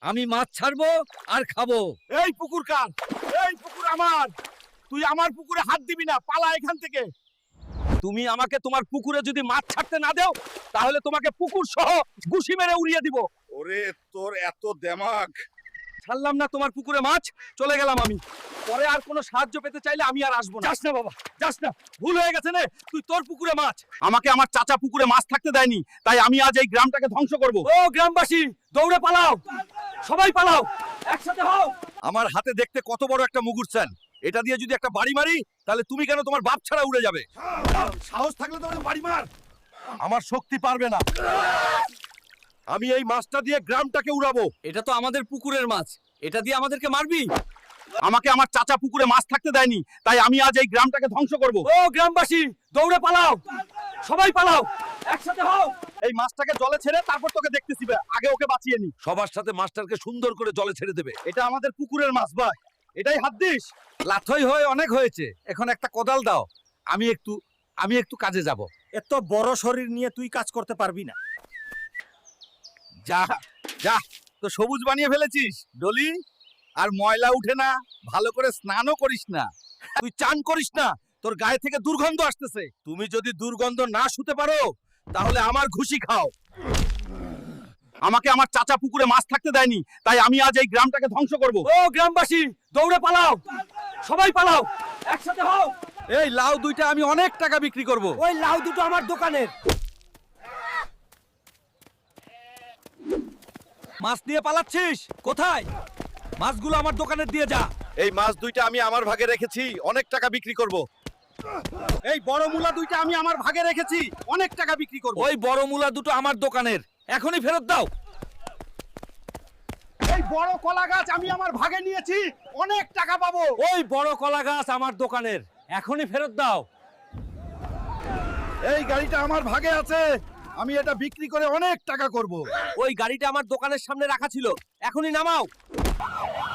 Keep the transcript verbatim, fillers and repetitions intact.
আমি মাছ ছাড়বো আর খাবো। এই পুকুর কার? এই পুকুর আমার। তুই আমার পুকুরে হাত দিবি না, পালা এখান থেকে। তুমি আমাকে তোমার পুকুরে যদি মাছ ছাড়তে না দাও, তাহলে তোমাকে পুকুর সহ ঘুষি মেরে উড়িয়ে দিব। ওরে তোর এত দেমাগ! ছাড়লাম না তোমার পুকুরে মাছ, চলে গেলাম আমি। পরে আর কোনো সাহায্য পেতে চাইলে আমি আর আসবো না। যাস না বাবা, যাস না। ভুল হয়ে গেছে নে, তুই তোর পুকুরে মাছ। আমাকে আমার চাচা পুকুরে মাছ থাকতে দেয়নি, তাই আমি আজ এই গ্রামটাকে ধ্বংস করব। ও গ্রামবাসী, দৌড়ে পালাও, সবাই পালাও, একসাথে হও। আমার হাতে দেখতে কত বড় একটা মুগুর চান, এটা দিয়ে যদি একটা বাড়ি মারি, তাহলে তুমি কেন তোমার বাপ ছাড়া উড়ে যাবে। সাহস থাকলে তো বাড়ি মার। আমার শক্তি পারবে না। আমি এই মাছটা দিয়ে গ্রামটাকে উড়াবো। এটা তো আমাদের পুকুরের মাছ, এটা দিয়ে আমাদেরকে মারবি? আমাকে আমার চাচা পুকুরে মাছ থাকতে দেয়নি, তাই আমি আজ এই গ্রামটাকে ধ্বংস করব। ও গ্রামবাসী, দৌড়ে পালাও, সবাই পালাও, একসাথে হও। এই মাছটাকে জলে ছেড়ে তারপর তোকে দেখতেছি, আগে ওকে বাঁচিয়ে নি। সবার সাথে মাছটাকে সুন্দর করে জলে ছেড়ে দেবে। এটা আমাদের পুকুরের মাছ ভাই, এটাই হাত দিস। লাথই হয়ে অনেক হয়েছে, এখন একটা কোদাল দাও, আমি একটু আমি একটু কাজে যাব। এত বড় শরীর নিয়ে তুই কাজ করতে পারবি না। যা যা, তো সবুজ বানিয়ে ফেলেছিস ডলি, আর ময়লা উঠে না, ভালো করে স্নানও করিস না, তুই চান করিস না, তোর গায়ে থেকে দুর্গন্ধ আসতেছে। তুমি যদি দুর্গন্ধ না শুতে পারো, তাহলে আমার ঘুষি খাও। আমাকে আমার চাচা পুকুরে মাছ থাকতে দেয়নি, তাই আমি আজ এই গ্রামটাকে ধ্বংস করব। ও গ্রামবাসী, দৌড়ে পালাও, সবাই পালাও, একসাথে হও। এই লাউ দুইটা আমি অনেক টাকা বিক্রি করব। ওই লাউ দুটো আমার দোকানের। মাছ নিয়ে পালাচ্ছিস কোথায়? মাছগুলো আমার দোকানে দিয়ে যা। এই মাছ দুইটা আমি আমার ভাগে রেখেছি, অনেক টাকা বিক্রি করব। এই বড় মূলা দুইটা আমি আমার ভাগে রেখেছি, অনেক টাকা বিক্রি করব। ওই বড় মূলা দুটো আমার দোকানের, এখনই ফেরত দাও। এই বড় কলা গাছ আমি আমার ভাগে নিয়েছি, অনেক টাকা পাবো। ওই বড় কলা গাছ আমার দোকানের, এখনই ফেরত দাও। এই গাড়িটা আমার ভাগে আছে, আমি এটা বিক্রি করে অনেক টাকা করব। ওই গাড়িটা আমার দোকানের সামনে রাখা ছিল, এখনই নামাও।